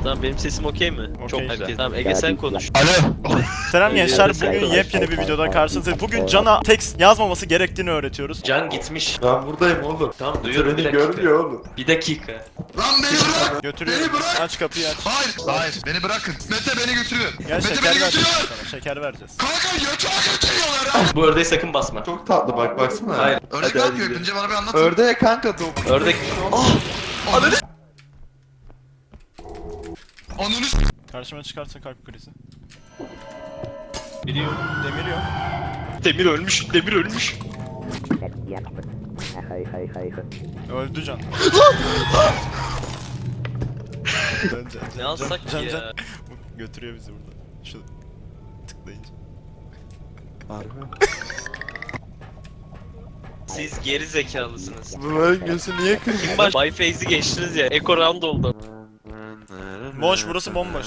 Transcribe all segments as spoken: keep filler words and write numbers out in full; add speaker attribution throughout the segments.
Speaker 1: Tamam benim sesim okey mi?
Speaker 2: Okey.
Speaker 1: Çok güzel. Tamam Ege sen konuş.
Speaker 3: Alo.
Speaker 2: Selam gençler,
Speaker 1: Sen
Speaker 2: bugün
Speaker 1: konuş.
Speaker 2: yepyeni bir videoda karşınızdayız. Bugün Can'a tekst yazmaması gerektiğini öğretiyoruz.
Speaker 1: Can gitmiş.
Speaker 3: Ben buradayım oğlum.
Speaker 1: Tamam
Speaker 3: Kimse
Speaker 1: duyuyorum bir
Speaker 3: beni
Speaker 1: dakika.
Speaker 3: görmüyor oğlum.
Speaker 1: Bir dakika.
Speaker 4: Lan beni bırak!
Speaker 2: Götürüyorum.
Speaker 4: Beni bırak!
Speaker 2: Aç kapıyı aç.
Speaker 4: Hayır! Hayır! Beni bırakın! Mete beni götürüyor!
Speaker 2: Gel
Speaker 4: Mete
Speaker 2: şeker
Speaker 4: beni
Speaker 2: vereceğiz
Speaker 4: götürüyor!
Speaker 2: sana, şeker vereceğiz.
Speaker 4: Kanka yatağa götürüyorlar ha!
Speaker 1: Bu ördeği sakın basma.
Speaker 3: Çok tatlı bak baksana.
Speaker 1: Hayır.
Speaker 4: Ördek
Speaker 3: Hadi,
Speaker 4: ne
Speaker 3: hadi
Speaker 4: yapıyor?
Speaker 3: gidelim.
Speaker 4: Önce bana bir anlatın.
Speaker 3: Ördeğe kanka dok.
Speaker 1: Ördek.
Speaker 4: Ananı s***. Ananı s***.
Speaker 2: Karşıma çıkarsa kalp krizi.
Speaker 1: Biliyorum.
Speaker 2: Demir yok.
Speaker 1: Demir ölmüş. Demir ölmüş.
Speaker 2: Öldü Can. Can, can,
Speaker 1: Ne alsak
Speaker 2: can,
Speaker 1: ki
Speaker 2: can.
Speaker 1: ya?
Speaker 2: Bu götürüyor bizi burada. Şu tıklayınca.
Speaker 3: Harbi.
Speaker 1: Siz geri zekalısınız.
Speaker 3: Bunların gözü niye kırmızı?
Speaker 1: Kim baş? Bay Feyz'i geçtiniz ya. Eko round oldu.
Speaker 2: Boş, burası bomboş.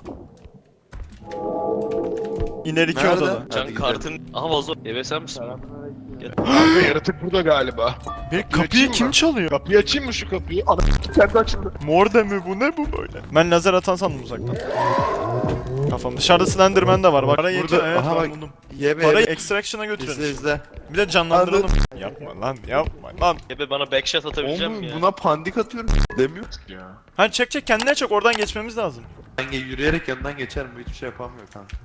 Speaker 2: İner iki
Speaker 3: Nerede?
Speaker 2: odada.
Speaker 1: Can
Speaker 3: Hadi
Speaker 1: kartın... Aha vazo. Eve sen misin?
Speaker 5: Kanka yaratık burada galiba.
Speaker 2: Bir
Speaker 5: açayım
Speaker 2: kapıyı
Speaker 5: mı?
Speaker 2: kim çalıyor?
Speaker 5: Kapıyı açayım mı şu kapıyı? Ana kendi açıldı.
Speaker 2: Mor da mı bu, ne bu böyle? Ben lazer atan sandım uzaktan. Kafam dışarıda Slenderman de var bak. Para yetiyor,
Speaker 3: Burada
Speaker 2: evet
Speaker 3: aha
Speaker 2: ben
Speaker 3: bak.
Speaker 2: buldum.
Speaker 3: Yeme
Speaker 2: Parayı
Speaker 3: yeme.
Speaker 2: extraction'a
Speaker 3: İzle
Speaker 2: götürelim.
Speaker 3: izle.
Speaker 2: Bir de canlandıralım. Yapma lan, yapma lan.
Speaker 1: Ebe bana backshot atabileceğim
Speaker 3: Oğlum
Speaker 1: mi ya?
Speaker 3: buna pandik atıyorum. Demiyor.
Speaker 5: Ya.
Speaker 2: Hani çek çek, kendine çek, oradan geçmemiz lazım.
Speaker 3: Ben ge- yürüyerek yanından geçerim. Bu hiçbir şey yapamıyor kanka.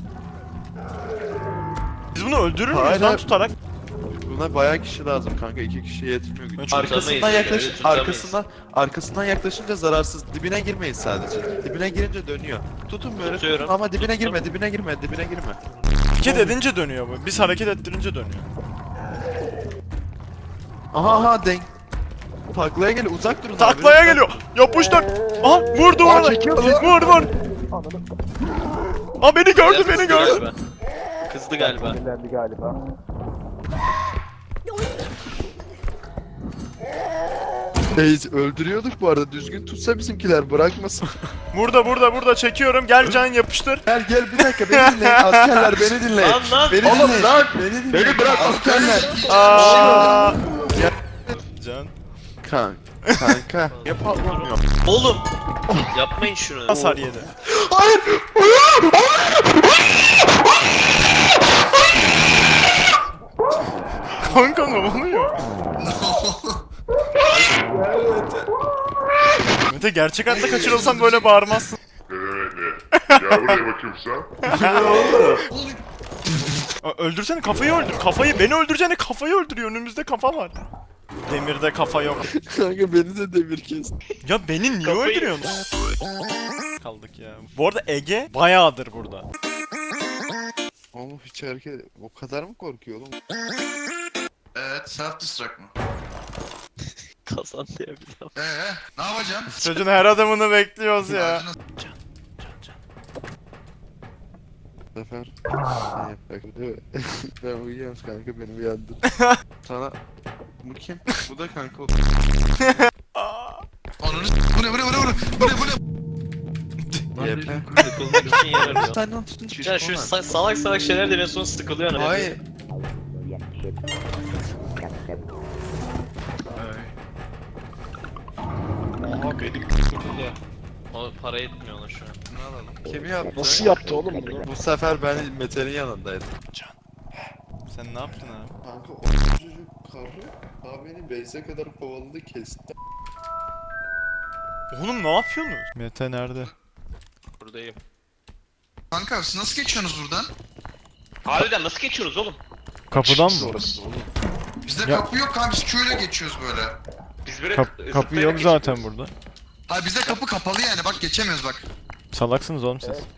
Speaker 2: Biz bunu öldürür müyüz
Speaker 3: Hayır,
Speaker 2: lan
Speaker 3: hayır.
Speaker 2: tutarak?
Speaker 3: Buna bayağı kişi lazım kanka. İki kişiye yetmiyor güç.
Speaker 2: Hiç
Speaker 3: Arkasından
Speaker 1: tutamayız,
Speaker 3: yaklaş,
Speaker 1: evet, tutamayız.
Speaker 3: arkasından arkasından yaklaşınca zararsız. Dibine girmeyin sadece. Dibine girince dönüyor. Tutun böyle
Speaker 1: Tutuyorum.
Speaker 3: tutun ama dibine
Speaker 1: Tuttum.
Speaker 3: girme, dibine girme, dibine girme.
Speaker 2: Hareket edince dönüyor bu. Biz hareket ettirince dönüyor.
Speaker 3: Aha aha denk. Taklaya gel, uzak durun. abi,
Speaker 2: Taklaya
Speaker 3: lütfen.
Speaker 2: geliyor. Yapıştır. Aha vurdu
Speaker 5: Aa,
Speaker 2: onu.
Speaker 5: çekiyor.
Speaker 2: Vur vur. Aa beni gördü,
Speaker 1: Biraz
Speaker 2: beni
Speaker 1: kızdı
Speaker 2: gördü.
Speaker 1: galiba. Kızdı galiba.
Speaker 3: Reis öldürüyorduk bu arada. Düzgün tutsa bizimkiler bırakmasın.
Speaker 2: Burada burada burada çekiyorum. Gel Can yapıştır.
Speaker 3: Gel gel bir dakika beni dinleyin. Askerler beni dinleyin.
Speaker 1: Lan lan.
Speaker 3: Beni
Speaker 5: Oğlum
Speaker 3: dinleyin.
Speaker 5: lan.
Speaker 3: Beni dinleyin.
Speaker 5: Beni bırak.
Speaker 3: Askerler.
Speaker 2: Aa. Can.
Speaker 3: Kanka. Kanka. Niye patlamıyor?
Speaker 1: Oğlum. Yapmayın şunu.
Speaker 2: Hasar yedi. Kanka ne oluyor? Mete gerçek hayatta kaçırılsan böyle bağırmazsın.
Speaker 6: Ya buraya bakayım sen.
Speaker 2: Aa, öldürsene, kafayı öldür. Kafayı, beni öldüreceğine kafayı öldürüyor. Önümüzde kafa var. Demirde kafa yok.
Speaker 3: Kanka beni de demir kes.
Speaker 2: Ya beni niye
Speaker 1: Kafayı-
Speaker 2: öldürüyorsun? Kaldık ya. Bu arada Ege bayağıdır burada.
Speaker 3: Oğlum hiç hareket... O kadar mı korkuyor oğlum?
Speaker 4: Evet, self destruct mı?
Speaker 1: Kazan diye bir laf.
Speaker 4: Ee, ne yapacaksın?
Speaker 2: Çocuğun her adımını bekliyoruz ya.
Speaker 4: Ağacına s-
Speaker 3: Bu sefer... Ne yapak değil mi? Ben uyuyorum kanka beni uyandır. Sana... Bu kim? Bu da kanka o.
Speaker 4: Ananı s***. Bu ne bu ne bu ne bu ne bu ne bu ne?
Speaker 3: Yepe.
Speaker 1: Sıkılmak için yer arıyor.
Speaker 3: Sen lan tutun
Speaker 1: Can şu sa- salak salak şeyler deniyor sonra sıkılıyor hani.
Speaker 3: Hayır.
Speaker 5: Aha benim kızım ya.
Speaker 1: O para etmiyor ona şu an.
Speaker 3: Ne alalım? Kim yaptı?
Speaker 5: Nasıl yaptı oğlum bunu?
Speaker 3: Bu sefer ben Mete'nin yanındaydım.
Speaker 2: Sen ne yaptın abi?
Speaker 3: Kanka o çocuk karı daha beni base'e kadar kovaladı kesti.
Speaker 2: Oğlum ne yapıyorsunuz? Mete nerede?
Speaker 1: Buradayım.
Speaker 4: Kanka siz nasıl geçiyorsunuz buradan?
Speaker 1: Harbiden nasıl geçiyoruz oğlum?
Speaker 2: Kapıdan mı?
Speaker 5: Orası oğlum.
Speaker 4: Bizde
Speaker 2: Ya-
Speaker 4: kapı yok kanka, biz Q'yla geçiyoruz böyle.
Speaker 1: Biz böyle
Speaker 2: Kap-
Speaker 1: zıplayarak
Speaker 2: kapı yok
Speaker 1: geçiyoruz.
Speaker 2: zaten burada.
Speaker 4: Hayır bizde kapı kapalı yani, bak geçemiyoruz bak.
Speaker 2: Salaksınız oğlum siz.